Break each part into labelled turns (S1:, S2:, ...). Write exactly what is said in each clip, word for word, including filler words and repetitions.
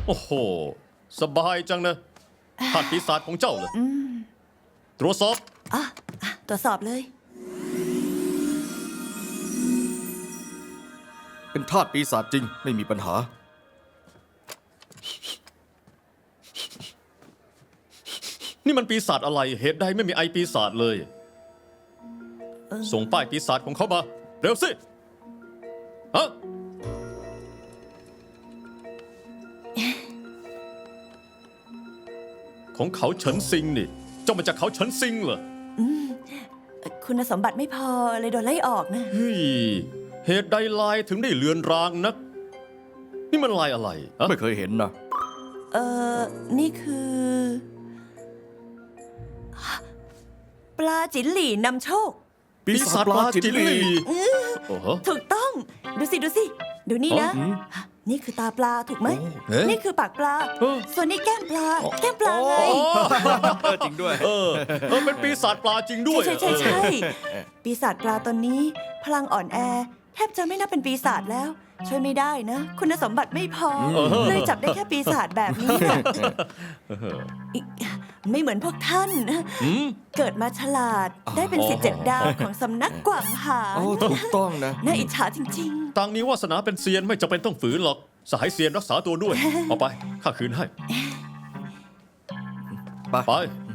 S1: โอ้โหสบายจังนะธาตุปีศาจของเจ้าเลยตรวจสอบ
S2: อ่ะอ่ะตรวจสอบเลย
S3: เป็นธาตุปีศาจจริงไม่มีปัญหา
S1: นี่มันปีศาจอะไรเหตุใดไม่มีไอปีศาจเลย ส่งป้ายปีศาจของเขามาเร็วสิฮะของเขาเฉินซิงนี่เจ้ามาจากเขาเฉินซิงเหรอ
S2: คุณสมบัติไม่พอเลยโดนไล่ออกนะ
S1: เฮ้ยเหตุใดลายถึงได้เลือนรางนัก นี่มันลายอะไรอะ
S3: ไม่เคยเห็นนะ
S2: เออนี่คือ ปลาจิ๋นหลี่นำโชค
S1: ปีศาจปลาจิ๋นหลีโอ้โห
S2: ถูกต้อง ดูสิ ดูสิ ดูนี่นะ นี่คือตาปลาถูกไหม
S1: เอ๊ะ
S2: นี่คือปากปลา
S1: เออ
S2: ส่วนนี้แก้มปลา แก้มปลาไง
S3: เออจริงด้วย
S1: เออเออเป็นปีศาจปลาจริงด้วย
S2: ใช่ใช่ใช่ใช่ปีศาจปลาตนนี้ พลังอ่อนแอ แทบจะไม่นับเป็นปีศาจแล้ว ช่วยไม่ได้นะ คุณสมบัติไม่พอ เลยจับได้แค่ปีศาจแบบนี้น่ะอีกไม่เหมือนพวกท่าน
S1: อืม
S2: เกิดมาฉลาดได้เป็นสิทธิ์เจ็ดดาวของสำนักกวางหา
S3: โอ้
S2: ญ
S3: ถูกต้องนะ
S2: น่าอิจฉาจริง
S1: ต่างนี้วาสนาเป็นเซียนไม่จำเป็นต้องฝืนหรอก สหายเซียนรักษาตัวด้วย เอาไป ข้าคืนให้
S3: ไป
S1: ไป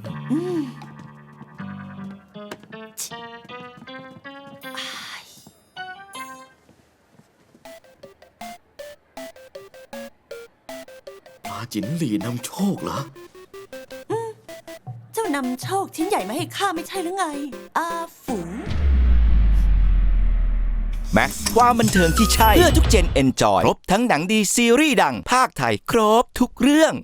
S4: ปลาจิ๋นหลีนำโชคเหรอ
S2: ๆ เจ้านำโชคชิ้นใหญ่มาให้ข้าไม่ใช่หรือไง อาฝูง
S5: แม็กซ์ความบันเทิงที่ใช่ เพื่อทุกเจนเอนจอย ครบทั้งหนังดีซีรีส์ดังภาคไทย ครบทุกเรื่อง